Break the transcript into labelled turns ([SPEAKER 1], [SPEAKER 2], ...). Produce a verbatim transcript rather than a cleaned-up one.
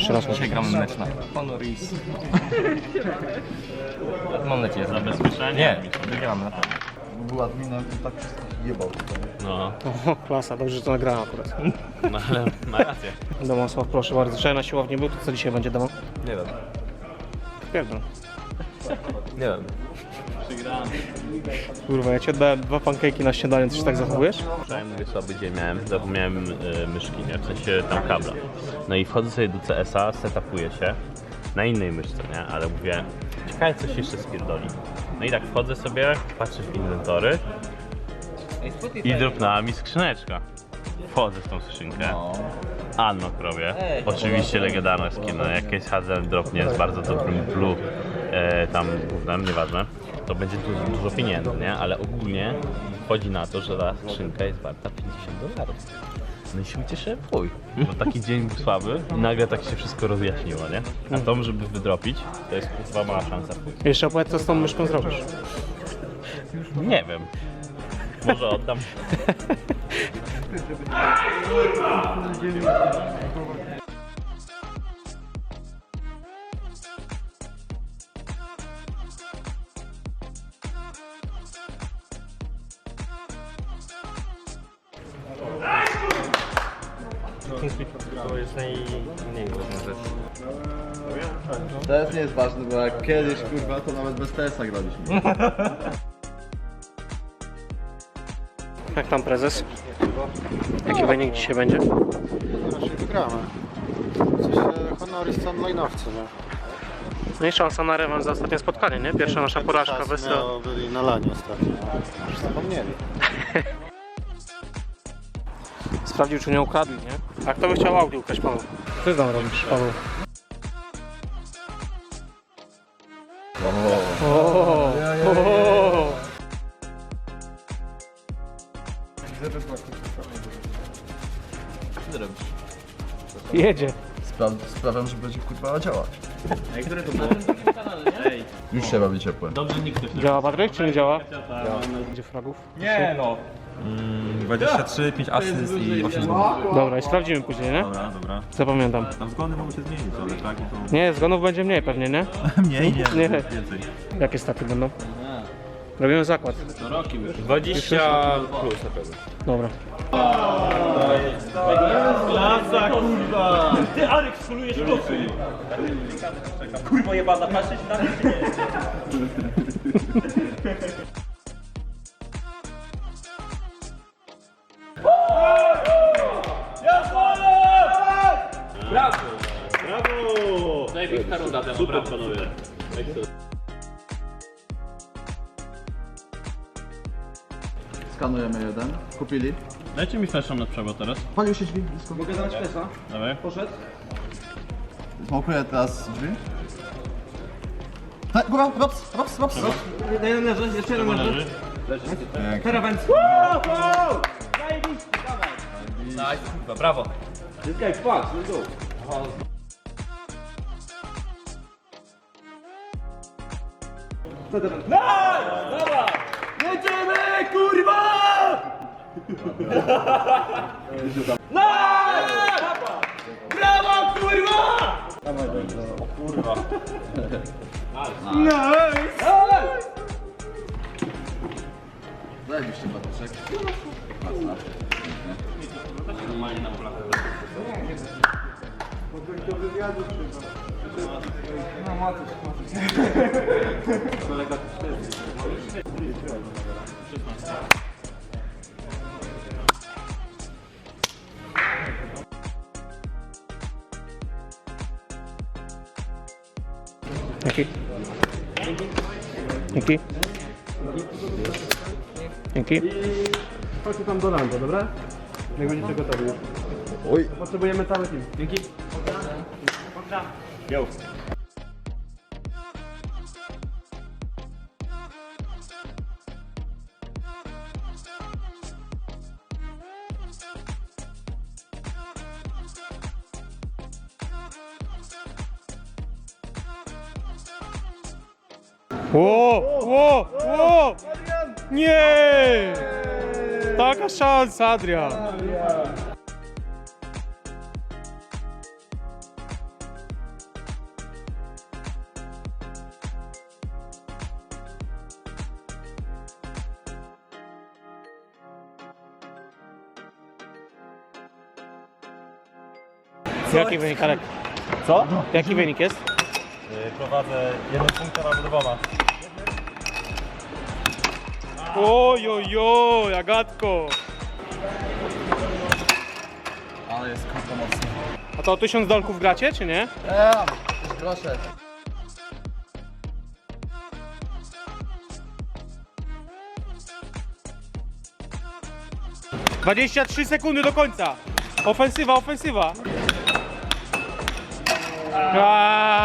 [SPEAKER 1] jeszcze raz.
[SPEAKER 2] Dzisiaj gramy mecz na Honor i... Mam nadzieję, że zabezpieczenie. Nie, wygramy na pewno.
[SPEAKER 3] Był adminem i tak wszystkich jebał.
[SPEAKER 4] No,
[SPEAKER 1] O, klasa, dobrze, że to nagrałem akurat.
[SPEAKER 4] no ale ma rację.
[SPEAKER 1] Domosław, proszę bardzo. Wczoraj na siłowni był, to co dzisiaj będzie domu?
[SPEAKER 2] Nie wiem.
[SPEAKER 1] Pierdol.
[SPEAKER 2] Nie wiem.
[SPEAKER 1] Kurwa, ja ci oddałem dwa pancake'i na śniadanie, ty się tak zachowujesz?
[SPEAKER 4] Wczoraj mówię słaby dzień miałem, zapomniałem y, myszki, nie? W sensie tam kabla. No i wchodzę sobie do C S a, setupuję się na innej myszce, nie? Ale mówię, ciekawe coś jeszcze spierdoli. No i tak wchodzę sobie, patrzę w inwentory i dropnęła mi skrzyneczka. Wchodzę w tą skrzynkę. Unlock robię. Oczywiście legendarna skina, jakieś H Z dropnie z bardzo dobrym blue e, tam gównem, nieważne. To będzie dużo, dużo pieniędzy, nie? Ale ogólnie chodzi na to, że ta skrzynka jest warta pięćdziesiąt dolarów. No i się ucieszyłem w chuj, bo taki dzień był słaby i nagle tak się wszystko rozjaśniło, nie? A to, żeby wydropić, to jest chyba mała szansa.
[SPEAKER 1] Jeszcze opowiedz, co z tą myszką zrobisz.
[SPEAKER 4] Nie wiem. Może oddam.
[SPEAKER 2] To jest najmniej ważna rzecz.
[SPEAKER 3] T S nie jest ważny, bo jak kiedyś kurwa to nawet bez T S a graliśmy.
[SPEAKER 1] Jak tam prezes? Jaki wynik dzisiaj będzie?
[SPEAKER 5] Raczej wygramy. W sensie Honoris to online'owcy, nie?
[SPEAKER 1] No i szansa na rewanż za ostatnie spotkanie, nie? Pierwsza nasza porażka wysła.
[SPEAKER 5] Miało, byli na lanie ostatnio. Już zapomnieli.
[SPEAKER 1] Sprawdził, czy nie ukradli, nie? A kto by chciał Audi ukraść, Paweł? Co ty tam robisz, Paweł? O, o,
[SPEAKER 3] Co robisz?
[SPEAKER 1] jedzie.
[SPEAKER 3] Spra sprawiam, że będzie kurwa działać. Już się robi ciepłe.
[SPEAKER 1] Działa Patryk, czy nie działa? Gdzie fragów?
[SPEAKER 2] Nie no. dwadzieścia trzy, pięć asyst i osiem zgonów.
[SPEAKER 1] Dobra, i sprawdzimy później, nie?
[SPEAKER 2] Dobra, dobra.
[SPEAKER 1] Zapamiętam.
[SPEAKER 2] Tam zgony mogą się zmienić, ale tak to...
[SPEAKER 1] Nie, zgonów będzie mniej pewnie, nie?
[SPEAKER 2] Mniej, nie,
[SPEAKER 1] Nie.
[SPEAKER 2] więcej.
[SPEAKER 1] Jakie staty będą? Robimy zakład.
[SPEAKER 4] dwadzieścia plus na pewno.
[SPEAKER 1] Dobra.
[SPEAKER 2] Klasa, kurwa! Ty, Arek, skulujesz kocy! Kurwa jebana, patrzeć na mnie, czy nie?
[SPEAKER 4] Brawo! Brawo! Największa runda temu. Super, panowie.
[SPEAKER 3] Skanujemy jeden. Kupili.
[SPEAKER 4] Dajcie mi fleszą na przebo teraz.
[SPEAKER 3] Palił się drzwi blisko.
[SPEAKER 5] Mogę dawać pesa?
[SPEAKER 4] Dawaj.
[SPEAKER 5] Poszedł?
[SPEAKER 3] Smokuję teraz drzwi. Tak, góra, rops, rops, rops.
[SPEAKER 5] Jeden leży, jeszcze jeden leży. Karawęc.
[SPEAKER 2] Nice, kurwa, brawo!
[SPEAKER 5] Zyskaj, patrz, let's go.
[SPEAKER 2] Jedziemy, kurwa! Brawo, kurwa!
[SPEAKER 3] Zajebiście Patryszek.
[SPEAKER 1] Dzięki. Dzięki. Dzięki.
[SPEAKER 5] Chodźcie tam do landa, dobra? Jak będziecie gotowi.
[SPEAKER 3] Oj.
[SPEAKER 5] Potrzebujemy cały team. Dzięki.
[SPEAKER 4] Yo.
[SPEAKER 1] Ło, ło, ło! Nie! Taka szansa, Adrian! Jaki wynik, Alek?
[SPEAKER 2] Co?
[SPEAKER 1] Jaki wynik jest?
[SPEAKER 2] Prowadzę jeden punkt albo dwoma.
[SPEAKER 1] Oj, oj, oj, Agatko.
[SPEAKER 3] Ale jest kurwa mocno.
[SPEAKER 1] A to o tysiąc dolków gracie, czy nie?
[SPEAKER 3] Eee, już grosze.
[SPEAKER 1] dwadzieścia trzy sekundy do końca. Ofensywa, ofensywa. A,